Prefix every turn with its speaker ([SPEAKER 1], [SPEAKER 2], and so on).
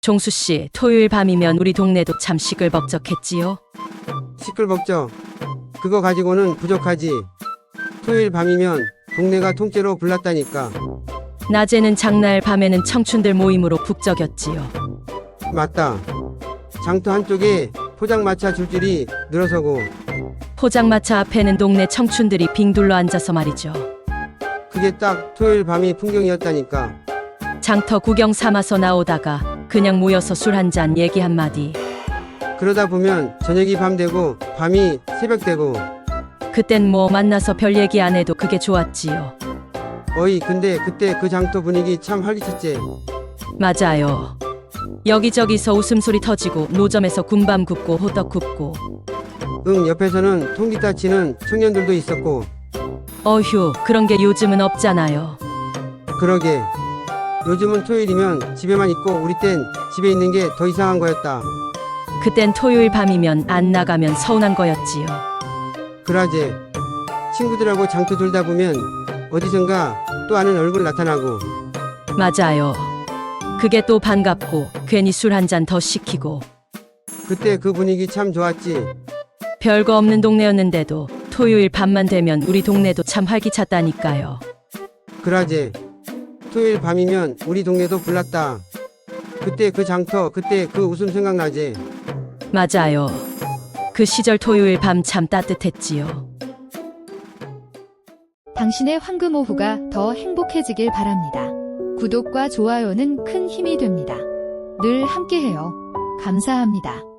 [SPEAKER 1] 종수 씨, 토요일 밤이면 우리 동네도 참 시끌벅적했지요.
[SPEAKER 2] 시끌벅적. 그거 가지고는 부족하지. 토요일 밤이면 동네가 통째로 불났다니까.
[SPEAKER 1] 낮에는 장날, 밤에는 청춘들 모임으로 북적였지요.
[SPEAKER 2] 맞다. 장터 한쪽에 포장마차 줄줄이 늘어서고
[SPEAKER 1] 포장마차 앞에는 동네 청춘들이 빙 둘러 앉아서 말이죠.
[SPEAKER 2] 그게 딱 토요일 밤이 풍경이었다니까.
[SPEAKER 1] 장터 구경 삼아서 나오다가 그냥 모여서 술 한잔 얘기 한마디.
[SPEAKER 2] 그러다 보면 저녁이 밤 되고 밤이 새벽 되고.
[SPEAKER 1] 그땐 뭐 만나서 별 얘기 안 해도 그게 좋았지요.
[SPEAKER 2] 어이 근데 그때 그 장터 분위기 참 활기찼지.
[SPEAKER 1] 맞아요. 여기저기서 웃음소리 터지고 노점에서 군밤 굽고 호떡 굽고.
[SPEAKER 2] 응, 옆에서는 통기타 치는 청년들도 있었고.
[SPEAKER 1] 어휴, 그런 게 요즘은 없잖아요.
[SPEAKER 2] 그러게. 요즘은 토요일이면 집에만 있고 우리 땐 집에 있는 게 더 이상한 거였다.
[SPEAKER 1] 그땐 토요일 밤이면 안 나가면 서운한 거였지요.
[SPEAKER 2] 그러제. 친구들하고 장터 돌다 보면 어디선가 또 아는 얼굴 나타나고.
[SPEAKER 1] 맞아요. 그게 또 반갑고 괜히 술 한 잔 더 시키고.
[SPEAKER 2] 그때 그 분위기 참 좋았지.
[SPEAKER 1] 별거 없는 동네였는데도 토요일 밤만 되면 우리 동네도 참 활기찼다니까요.
[SPEAKER 2] 그러제. 토요일 밤이면 우리 동네도 불났다. 그때 그 장터, 그때 그 웃음 생각나지.
[SPEAKER 1] 맞아요. 그 시절 토요일 밤 참 따뜻했지요.
[SPEAKER 3] 당신의 황금 오후가 더 행복해지길 바랍니다. 구독과 좋아요는 큰 힘이 됩니다. 늘 함께해요. 감사합니다.